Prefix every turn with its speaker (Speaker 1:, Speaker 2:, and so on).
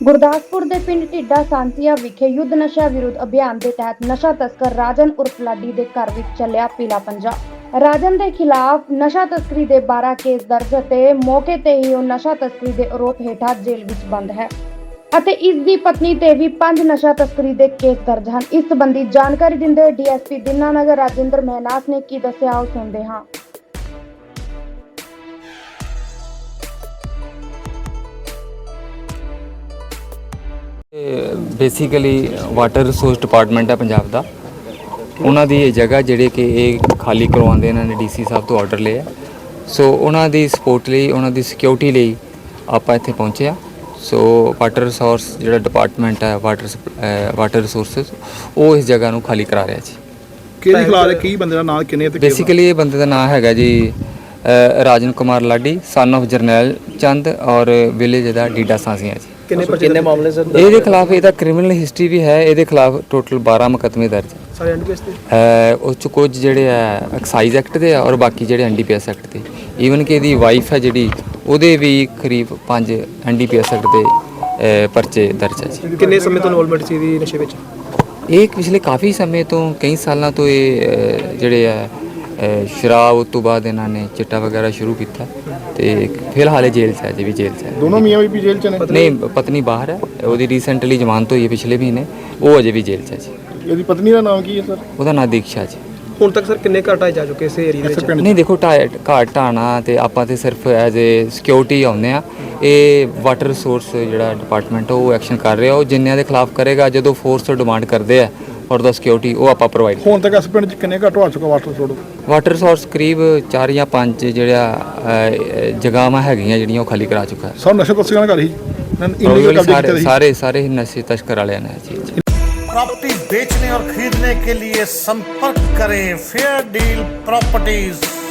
Speaker 1: ਗੁਰਦਾਸਪੁਰ ਦੇ ਪਿੰਡ ਢਿੱਡਾ ਸਾਂਸੀਆ ਵਿਖੇ ਯੁੱਧ ਨਸ਼ਾ ਵਿਰੁੱਧ ਅਭਿਆਨ ਦੇ ਤਹਿਤ ਨਸ਼ਾ ਤਸਕਰ ਰਾਜਨ ਉਰਫ ਲਾਡੀ ਦੇ ਘਰ ਵਿੱਚ ਚੱਲਿਆ ਪੀਲਾ ਪੰਜਾ। ਰਾਜਨ ਦੇ ਖਿਲਾਫ ਨਸ਼ਾ ਤਸਕਰੀ ਦੇ 12 ਕੇਸ ਦਰਜ ਅਤੇ ਮੌਕੇ ਤੇ ਹੀ ਉਹ ਨਸ਼ਾ ਤਸਕਰੀ ਦੇ ਆਰੋਪ ਹੇਠਾਂ ਜੇਲ੍ਹ ਵਿੱਚ ਬੰਦ ਹੈ ਅਤੇ ਇਸ ਦੀ ਪਤਨੀ ਤੇ ਵੀ 5 ਨਸ਼ਾ ਤਸਕਰੀ ਦੇ ਕੇਸ ਦਰਜ ਹਨ। ਇਸ ਸੰਬੰਧੀ ਜਾਣਕਾਰੀ ਦਿੰਦੇ ਡੀਐਸਪੀ ਦੀਨਾਨਗਰ ਰਾਜਿੰਦਰ ਮਹਿਨਾਸ ਨੇ ਕੀ ਦੱਸਿਆ, ਆਓ ਸੁਣਦੇ ਹਾਂ।
Speaker 2: ਬੇਸਿਕਲੀ ਵਾਟਰ ਰਿਸੋਰਸ ਡਿਪਾਰਟਮੈਂਟ ਹੈ ਪੰਜਾਬ ਦਾ, ਉਹਨਾਂ ਦੀ ਇਹ ਜਗ੍ਹਾ ਜਿਹੜੇ ਕਿ ਇਹ ਖਾਲੀ ਕਰਵਾਉਂਦੇ ਇਹਨਾਂ ਨੇ ਡੀਸੀ ਸਾਹਿਬ ਤੋਂ ਆਰਡਰ ਲਿਆ। ਸੋ ਉਹਨਾਂ ਦੀ ਸਪੋਰਟ ਲਈ, ਉਹਨਾਂ ਦੀ ਸਿਕਿਉਰਿਟੀ ਲਈ ਆਪਾਂ ਇੱਥੇ ਪਹੁੰਚੇ ਆ। ਸੋ ਵਾਟਰ ਰਿਸੋਰਸ ਜਿਹੜਾ ਡਿਪਾਰਟਮੈਂਟ ਹੈ ਵਾਟਰ ਰਿਸੋਰਸਿਸ, ਉਹ ਇਸ ਜਗ੍ਹਾ ਨੂੰ ਖਾਲੀ ਕਰਾ ਰਿਹਾ ਜੀ।
Speaker 3: ਕਿਹੜੀ ਖਿਲਾਫ ਕੀ ਬੰਦੇ ਦਾ ਨਾਮ ਕਿੰਨੇ ਤੇ
Speaker 2: ਬੇਸਿਕਲੀ ਇਹ ਬੰਦੇ ਦਾ ਨਾਮ ਹੈਗਾ ਜੀ ਰਾਜਨ ਕੁਮਾਰ ਲਾਡੀ, ਸਨ ਆਫ ਜਰਨੈਲ ਚੰਦ ਔਰ ਵਿਲੇਜ ਦਾ ਢੀਡਾ ਸਾਂਸੀਆਂ ਜੀ।
Speaker 3: ਕਿੰਨੇ ਮਾਮਲੇ ਸਰ?
Speaker 2: ਇਹਦੇ ਖਿਲਾਫ ਇਹਦਾ ਕ੍ਰਿਮੀਨਲ ਹਿਸਟਰੀ ਵੀ ਹੈ, ਇਹਦੇ ਖਿਲਾਫ ਟੋਟਲ 12 ਮੁਕੱਦਮੇ ਦਰਜ
Speaker 3: ਸਾਰੇ ਐਨਡੀਪੀਐਸ ਤੇ
Speaker 2: ਉਸ 'ਚ ਕੁਝ ਜਿਹੜੇ ਹੈ ਐਕਸਾਈਜ਼ ਐਕਟ ਦੇ ਆ ਔਰ ਬਾਕੀ ਜਿਹੜੇ ਐਨਡੀਪੀਐਸ ਐਕਟ ਦੇ। ਈਵਨ ਕਿ ਇਹਦੀ ਵਾਈਫ ਹੈ ਜਿਹੜੀ, ਉਹਦੇ ਵੀ ਕਰੀਬ 5 ਐਨਡੀਪੀਐਸ ਐਕਟ ਦੇ ਪਰਚੇ ਦਰਜ ਹੈ ਜੀ।
Speaker 3: ਕਿੰਨੇ ਸਮੇਂ ਤੋਂ ਇਨਵੋਲਵਮੈਂਟ ਸੀ ਇਹਦੀ ਨਸ਼ੇ ਵਿੱਚ?
Speaker 2: ਇਹ ਪਿਛਲੇ ਕਾਫੀ ਸਮੇਂ ਤੋਂ, ਕਈ ਸਾਲਾਂ ਤੋਂ ਇਹ ਜਿਹੜੇ ਆ ਸ਼ਰਾਬ ਤੋਂ ਬਾਅਦ ਇਹਨਾਂ ਨੇ ਚਿੱਟਾ ਵਗੈਰਾ ਸ਼ੁਰੂ ਕੀਤਾ ਤੇ ਫਿਲਹਾਲ ਜੇਲ੍ਹ 'ਚ ਹੈ ਜੀ, ਵੀ ਜੇਲ੍ਹ 'ਚ ਹੈ।
Speaker 3: ਦੋਨੋਂ ਮੀਆਂ ਬੀਬੀ ਜੇਲ੍ਹ 'ਚ ਨੇ?
Speaker 2: ਨਹੀਂ, ਪਤਨੀ ਬਾਹਰ ਹੈ, ਉਹਦੀ ਰੀਸੈਂਟਲੀ ਜ਼ਮਾਨਤ ਹੋਈ ਹੈ ਪਿਛਲੇ ਮਹੀਨੇ, ਉਹ ਅਜੇ ਵੀ ਜੇਲ੍ਹ 'ਚ ਹੈ ਜੀ।
Speaker 3: ਇਹਦੀ ਪਤਨੀ ਦਾ ਨਾਮ ਕੀ ਹੈ ਸਰ?
Speaker 2: ਉਹਦਾ ਨਾਂ ਦੀਕਸ਼ਾ ਜੀ।
Speaker 3: ਹੁਣ ਤੱਕ ਸਰ ਕਿੰਨੇ ਘਰ ਢਾਏ ਜਾ ਚੁੱਕੇ ਇਸ ਏਰੀਆ ਦੇ ਵਿੱਚ?
Speaker 2: ਨਹੀਂ ਦੇਖੋ, ਘਾਟ ਢਾਣਾ ਤੇ ਆਪਾਂ ਤੇ ਸਿਰਫ ਐਜ਼ ਏ ਸਿਕਿਉਰਿਟੀ ਆਉਂਦੇ ਆ। ਇਹ ਵਾਟਰ ਰਿਸੋਰਸ ਜਿਹੜਾ ਡਿਪਾਰਟਮੈਂਟ ਉਹ ਐਕਸ਼ਨ ਕਰ ਰਿਹਾ, ਉਹ ਜਿੰਨਿਆਂ ਦੇ ਖਿਲਾਫ ਕਰੇਗਾ, ਜਦੋਂ ਫੋਰਸ ਤੋਂ ਡਿਮਾਂਡ ਕਰਦੇ ਆ ਔਰ ਦਾ ਸਿਕਿਉਰਿਟੀ ਉਹ ਆਪਾਂ ਪ੍ਰੋਵਾਈਡ।
Speaker 3: ਹੁਣ ਤੱਕ ਇਸ ਪਿੰਡ 'ਚ ਕਿੰਨੇ ਘਰ ਢਵਾ ਚੁੱਕਾ ਵਾਟਰ ਰਿਸੋਰਸ?
Speaker 2: ਵਾਟਰ ਰਿਸੋਰਸ ਕਰੀਬ 4 ਜਾਂ 5 ਜਿਹੜਾ ਜਗ੍ਹਾਵਾਂ ਹੈਗੀਆਂ ਜਿਹੜੀਆਂ ਉਹ ਖਾਲੀ ਕਰਾ ਚੁੱਕਾ ਹੈ।
Speaker 3: ਸਰ ਨਸ਼ੇ ਤਸਕਰਾਂ ਦਾ ਘਰ ਹੀ
Speaker 2: ਸਾਰੇ ਨਸ਼ੇ ਤਸਕਰ ਵਾਲਿਆਂ ਨੇ ਜੀ।
Speaker 4: प्रॉपर्टी बेचने और खरीदने के लिए संपर्क करें फेयर डील प्रॉपर्टीज।